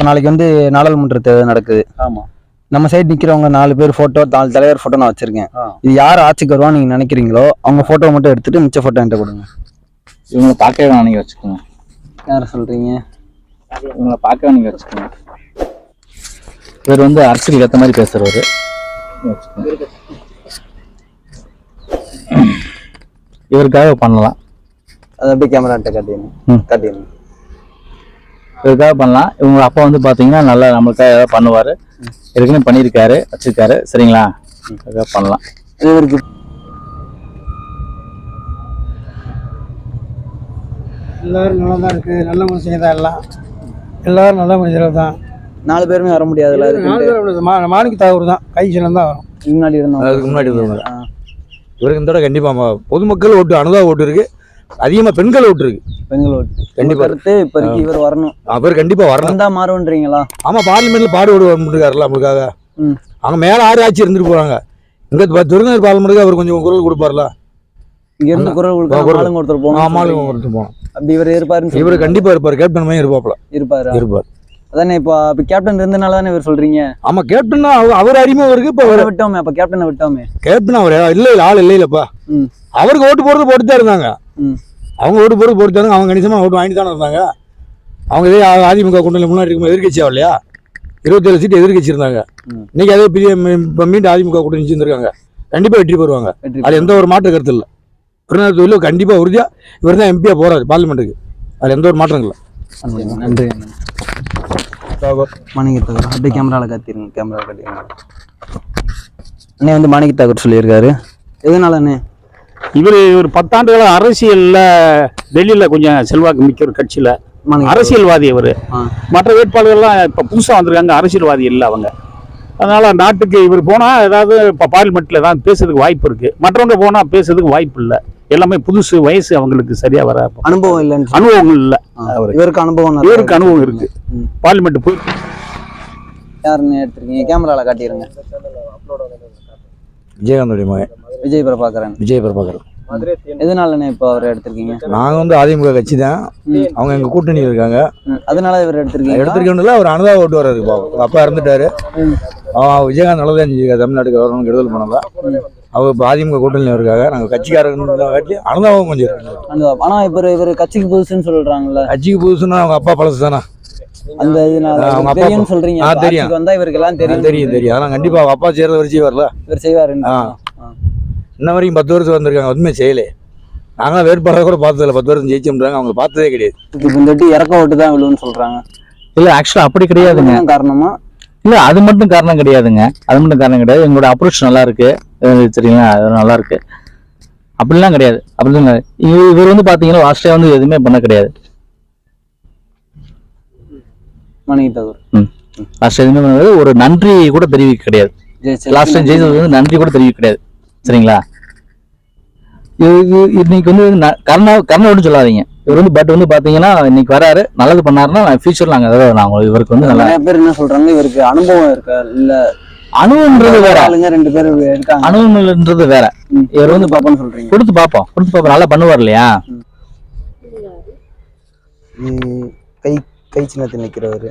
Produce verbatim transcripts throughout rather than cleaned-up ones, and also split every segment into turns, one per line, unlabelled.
இப்போ நாளைக்கு வந்து நாடாளுமன்ற தேர்தல் நடக்குது.
ஆமாம்.
நம்ம சைடு நிற்கிறவங்க நாலு பேர் ஃபோட்டோ, நாலு தலைவர் ஃபோட்டோ நான் வச்சிருக்கேன். இது யார் ஆட்சிக்கு வருவான்னு நீங்கள் நினைக்கிறீங்களோ அவங்க ஃபோட்டோ மட்டும் எடுத்துட்டு மிச்ச ஃபோட்டோ என்கிட்ட கொடுங்க.
இவங்களை பார்க்கவே வேணாம், நீங்கள் வச்சுக்கோங்க.
யாரை சொல்கிறீங்க?
இவங்களை பார்க்கவே நீங்கள் வச்சுக்கோங்க. இவர் வந்து அரசியல் ஏற்ற மாதிரி பேசுகிறவர். இவருக்காக பண்ணலாம்.
அது அப்படியே கேமராட்ட காட்டிடுங்க காட்டிடுங்க
இவருக்காக பண்ணலாம். இவங்க அப்பா வந்து பார்த்தீங்கன்னா நல்லா நம்மளுக்காக ஏதாவது பண்ணுவார். ஏற்கனவே பண்ணியிருக்காரு, வச்சிருக்காரு. சரிங்களா? அதுக்காக பண்ணலாம்.
இவருக்கு
எல்லாரும் நல்லா தான் இருக்குது. நல்ல மனுஷங்க தான் எல்லாம். எல்லாரும் நல்ல மனிதர்கள் தான்.
நாலு பேருமே வர முடியாதுல்ல.
நாலு பேர் மாணிக்க தாகூர் தான் கை சிலம் தான் வரும்.
முன்னாடி இருந்தோம்.
அதுக்கு முன்னாடி இருந்தவங்க இவருக்கு இந்த தடவை கண்டிப்பாக பொதுமக்கள் ஓட்டு, அனுதா ஓட்டு இருக்கு. அதிகமாக பெண்கள் ஓட்டு இருக்கு.
பெண்கள் ஓட்டு
கண்டிப்பா
இருக்கு. இப்போதைக்கு இவர் வரணும்.
அவர் கண்டிப்பாக வரணும்.
தான் மாறுவன்றீங்களா?
ஆமாம், பார்லிமெண்ட்ல பாடுபடு வந்துருக்காருல்ல நம்மளுக்காக. அவங்க மேலே ஆறு ஆட்சி இருந்துட்டு போகிறாங்க. இங்கே துருங்கர் பார்லிமெண்ட்டுக்கு அவர் கொஞ்சம் குரல் கொடுப்பார்ல.
இங்க இருந்து குரல் கொடுக்க ஒருத்தர் போகணும்.
ஆமாலும் ஒருத்தர் போகணும்.
அப்படி இவர் இருப்பாரு.
இவர் கண்டிப்பாக இருப்பார். கேப்டன் மாதிரி இருப்பாப்ல.
இருப்பாரு
இருப்பார்.
அதானே இப்போ இப்போ கேப்டன் இருந்தனால தானே இவர் சொல்றீங்க.
ஆமா, கேப்டன் அவர் அறிமுகம் இருக்கு. இப்போ
அவரை விட்டோமே. அப்ப கேப்டனை விட்டோமே.
கேப்டன் அவர் இல்லை இல்லை ஆள் இல்லை இல்லப்பா. அவருக்கு ஓட்டு போடுறது போட்டுதான் இருந்தாங்க. அவங்க ஓட்டு போடுறது போட்டுதாங்க. அவங்க கணிசமா ஓட்டு வாங்கிட்டு தானே இருந்தாங்க. அவங்க இதே அதிமுக கூட்டணி முன்னாடி இருக்கும் எதிர்கட்சி ஆகலையா? இருபத்தேழு சீட்டு எதிர்கட்சி இருந்தாங்க. இன்னைக்கு அதே பெரிய இப்போ மீண்டும் அதிமுக கூட்டணி வச்சிருக்காங்க. கண்டிப்பா வெற்றி பெறுவாங்க. அது எந்த ஒரு மாற்று கருத்து இல்லை. பிறநாள் தொழில் கண்டிப்பா உறுதியா இவர் தான் எம்பியா போறாரு பார்லிமெண்ட்டுக்கு. அது எந்த ஒரு மாற்றம் இல்லை.
நன்றி. மாணிக்க தாகூர் அப்படியே கேமராவில் காத்திருங்க. கேமராவில் காட்டிடுங்க. அண்ணே வந்து மாணிக்க தாகூர் சொல்லியிருக்காரு. எதனால அண்ணே?
இவர் ஒரு பத்தாண்டுகள அரசியல்ல டெல்லியில கொஞ்சம் செல்வாக்கு மிக்க ஒரு கட்சியில அரசியல்வாதி. அவர் மற்ற வேட்பாளர்கள்லாம் இப்ப புதுசா வந்திருக்காங்க, அரசியல்வாதி இல்லை அவங்க. அதனால நாட்டுக்கு இவர் போனா ஏதாவது இப்ப பார்லிமெண்ட்ல ஏதாவது பேசுறதுக்கு வாய்ப்பு இருக்கு. மற்றவங்க போனா பேசுறதுக்கு வாய்ப்பு இல்லை. எல்லாமே புதுசு, வயசு அவங்களுக்கு சரியா வர
அனுபவம் இல்லைன்னு.
அனுபவங்கள் இல்லை.
இவருக்கு அனுபவம்
இவருக்கு அனுபவம் இருக்கு. பார்லிமெண்ட் போய்
யாருன்னு எடுத்திருக்கீங்க? கேமரால காட்டிடுங்க.
விஜயகாந்தோடைய மகன்
விஜய் பிரபாகரன்.
விஜய் பிரபாகரன்.
எதனாலண்ணே இப்போ அவர் எடுத்திருக்கீங்க?
நாங்க வந்து அதிமுக கட்சி தான். அவங்க எங்க கூட்டணி இருக்காங்க.
அதனால இவர் எடுத்திருக்கீங்க.
எடுத்திருக்கோம்ல. அவர் அனுதா ஓட்டு வர்றாரு. அப்பா இறந்துட்டாரு. விஜயகாந்த் நல்லதான் செஞ்சுக்க தமிழ்நாட்டுக்கு வரணும்னு கெடுதல் பண்ணல. அவர் இப்போ அதிமுக கூட்டணியில் இருக்காங்க. நாங்கள் கட்சிக்காரங்க காட்டி அனுதாபம் கொஞ்சம் இருக்கு.
ஆனா இப்போ இவர் கட்சிக்கு புதுசுன்னு சொல்றாங்கல்ல.
கட்சிக்கு புதுசுன்னா அவங்க அப்பா பழசு தானே.
அந்த அவங்க அப்பா சொல்றீங்க. தெரியும் வந்தா இவருக்கு எல்லாம் தெரியும்.
தெரியும் தெரியும் அதெல்லாம் கண்டிப்பா அப்பா செய்யறத வச்சு வரல.
இவர் செய்வாரு.
இன்ன வரைக்கும் பத்து வருஷம் வந்திருக்காங்க. ஒன்றுமே செய்யலே. நாங்களாம் வேட்பாளரை கூட பார்த்ததில்ல. பத்து வருஷம் ஜெயிச்சோம்ன்றாங்க. அவங்க பார்த்ததே கிடையாது.
இப்போ இந்த வாட்டி இறக்க ஓட்டு தான் விழுன்னு சொல்றாங்க.
இல்லை, ஆக்சுவலா அப்படி கிடையாதுங்க.
காரணமா? இல்லை,
அது மட்டும் காரணம் கிடையாதுங்க. அது மட்டும் காரணம் கிடையாது. எங்களோட அப்ரோச் நல்லா இருக்கு. சரிங்களா? அது நல்லா இருக்கு. அப்படிலாம் கிடையாது. அப்படிலாம் இவர் வந்து பாத்தீங்கன்னா லாஸ்டே வந்து எதுவுமே பண்ண கிடையாது.
மாணிக்க தாகூர்
லாஸ்ட் எதுவுமே பண்ண கிடையாது. ஒரு நன்றி கூட தெரிவிக்க கிடையாது. லாஸ்ட் டைம் ஜெயிச்சது வந்து நன்றி கூட தெரிவிக்க கிடையாது. சரிங்களா? இன்னைக்கு வந்து கர்ணா கர்ணாவோடு சொல்லாதீங்க. இவர் வந்து பட் வந்து பாத்தீங்கன்னா இன்னைக்கு வராரு, நல்லது பண்ணாருன்னா ஃபியூச்சர்ல நாங்க அதாவது நாங்க இவருக்கு வந்து நல்லா
பேர் என்ன சொல்றாங்க, இவருக்கு அனுபவம் இருக்கா இல்ல?
அனுபவம்ன்றது வேற.
ஆளுங்க ரெண்டு பேர் இருக்காங்க.
அனுபவம்ன்றது வேற.
இவர் வந்து பாப்போம்னு சொல்றீங்க.
கொடுத்து பாப்போம் கொடுத்து பாப்போம் நல்லா பண்ணுவார் இல்லையா?
கை கை சின்னத்தில் நிக்கிறவரு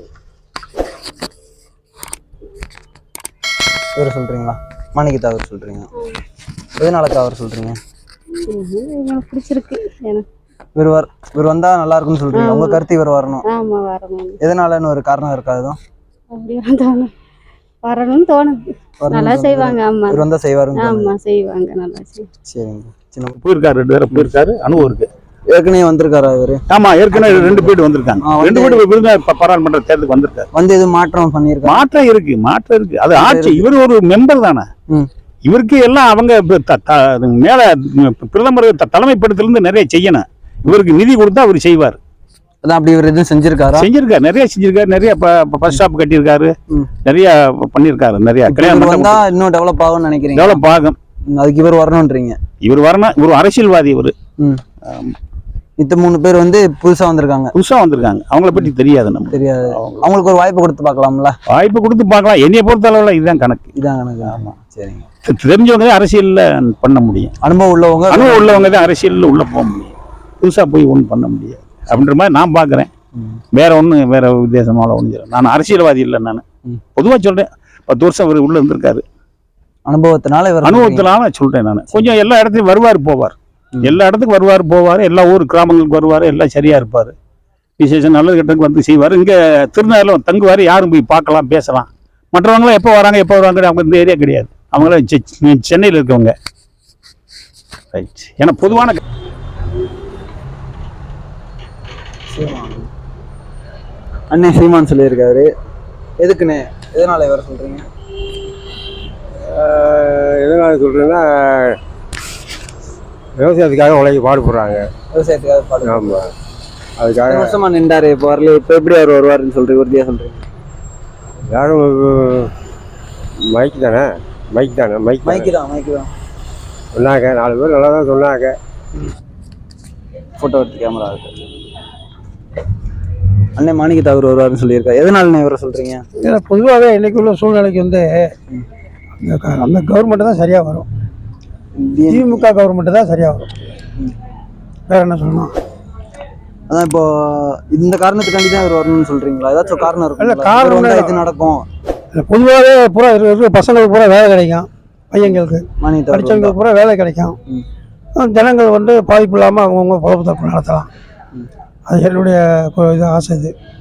இவர் சொல்றீங்களா? மாணிக்க தாகூர் சொல்றீங்க. எதனாலக்கா அவர் சொல்றீங்க?
பிடிச்சிருக்கு.
இவர் வர் இவர் வந்தா நல்லா இருக்கும்னு சொல்றீங்க. உங்க கருத்து இவர் வரணும்.
ஆமா வரணும்.
எதனாலன்னு ஒரு காரணம் இருக்காது?
அப்படி தோணும். வரணும்னு தோணுது. நல்லா செய்வாங்க. ஆமா,
இவர் வந்தா செய்வாருங்க.
ஆமா செய்வாங்க. நல்லா செய்வாங்க.
சரிங்க. சின்ன
போயிருக்காரு, ரெண்டு பேரும் போயிருக்காரு. அனுபவம் இருக்கு.
ஏற்கனவே வந்திருக்காரா இவரு?
ஆமா, ஏற்கனவே ரெண்டு பேர் வந்திருக்காங்க. ரெண்டு பேர் விருந்தா பாராளுமன்ற தேர்தலுக்கு வந்திருக்காரு.
வந்து எதுவும் மாற்றம் பண்ணிருக்காங்க?
மாற்றம் இருக்கு, மாற்றம் இருக்கு. அது ஆட்சி. இவர் ஒரு மெம்பர் தானே. இவருக்கு எல்லாம் அவங்க மேல பிரதமர் தலைமைப்படத்திலிருந்து நிறைய செய்யணும். இவருக்கு நிதி கொடுத்தா அவர் செய்வார்.
அதான் அப்படி இவர் எதுவும் செஞ்சிருக்காரு?
செஞ்சிருக்காரு, நிறைய செஞ்சிருக்காரு. நிறைய பஸ் ஸ்டாப் கட்டியிருக்காரு, நிறைய பண்ணிருக்காரு. நிறைய
வந்தா இன்னும் டெவலப் ஆகும்னு நினைக்கிறீங்க?
டெவலப் ஆகும்.
அதுக்கு இவர் வரணும்ன்றீங்க?
இவர் வரணும். இவர் அரசியல்வாதி. இவரு
மித்த மூணு பேர் வந்து புதுசா வந்திருக்காங்க.
புதுசா வந்திருக்காங்க. அவங்கள பத்தி தெரியாது, நம்ம தெரியாது.
அவங்களுக்கு ஒரு வாய்ப்பு கொடுத்து பார்க்கலாம்ல?
வாய்ப்பு கொடுத்து பார்க்கலாம். என்னைய பொறுத்த அளவுல இதுதான் கணக்கு.
இதான் கணக்கு. ஆமா, சரிங்க.
தெரிஞ்சவங்க தான் அரசியல்ல பண்ண முடியும்.
அனுபவம் உள்ளவங்க
அனுபவம் உள்ளவங்க தான் அரசியல்ல உள்ள போக முடியும். புதுசா போய் ஒன்றும் பண்ண முடியாது அப்படின்ற மாதிரி நான் பாக்குறேன். வேற ஒன்றும் வேற உத்தேசமால ஒன்று நான் அரசியல்வாதி இல்லை. நான்
ம்.
பொதுவாக சொல்றேன். பத்து வருஷம் அவர் உள்ள இருந்திருக்காரு.
அனுபவத்தினால இவர்
அனுபவத்தினால சொல்றேன் நான். கொஞ்சம் எல்லா இடத்துலையும் வருவார் போவார்.
ம்.
எல்லா இடத்துக்கும் வருவார் போவார். எல்லா ஊர் கிராமங்களுக்கு வருவார். எல்லாம் சரியா இருப்பார். விசேஷம் நல்லது கெட்டதுக்கு வந்து செய்வார். இங்கே திருநெல்வேலியில் தங்குவார். யாரும் போய் பார்க்கலாம் பேசலாம். மற்றவங்களாம் எப்போ வராங்க எப்போ வராங்க அவங்க இந்த ஏரியா கிடையாது. அவங்களாம் செ- சென்னையில் இருக்கவங்க. ரைட். ஏன்னா பொதுவான
அண்ணே சீமான் சொல்லியிருக்காரு. எதுக்குண்ணே, எதனால இவர் சொல்றீங்க?
எதனால சொல்கிறேன்னா விவசாயத்துக்காக உழைக்க பாடுபடுறாங்க.
விவசாயத்துக்காக பாடு
ஆமாம், அதுக்காக
வருஷமா நின்றாரு. இப்போ வரல. இப்போ எப்படி அவர் வருவாருன்னு சொல்றீங்க? உறுதியா சொல்றீங்க?
யாரும் மைக் தானே மைக் தானே மைக்
மைக்கு தான் மைக்கு தான்
சொன்னாங்க. நாலு பேர் நல்லா தான் சொன்னாங்க.
ஃபோட்டோ எடுத்து கேமரா இருக்கு. அண்ணே மாணிக்க தாகூர் வருவாருன்னு சொல்லியிருக்காரு. எதனால இவரை சொல்றீங்க?
ஏன்னா பொதுவாகவே இன்னைக்கு உள்ள சூழ்நிலைக்கு வந்து அந்த க- அந்த கவர்மெண்ட் தான் சரியாக வரும். திமுக கவர்மெண்ட் தான் சரியாக வரும். வேற என்ன சொல்லணும்?
அதான் இப்போ இந்த காரணத்துக்காண்டி தான் இவர் வரணும்னு சொல்றீங்களா? ஏதாச்சும் காரணம்
இல்ல,
இருக்கும்.
காரணம்
காரணம்
இல்ல.
இது நடக்கும்.
பொதுவாகவே பூரா இருக்கிற இருக்கிற பசங்களுக்கு பூரா வேலை கிடைக்கும். பையங்களுக்கு
மாணிக்க தாகூர்
படித்தவங்களுக்கு பூரா வேலை கிடைக்கும்.
ம்.
ஜனங்கள் வந்து பாதிப்பு இல்லாமல் அவங்கவுங்க பொழப்பு தப்பு நடத்தலாம். அது என்னுடைய கு- இது ஆசை இது.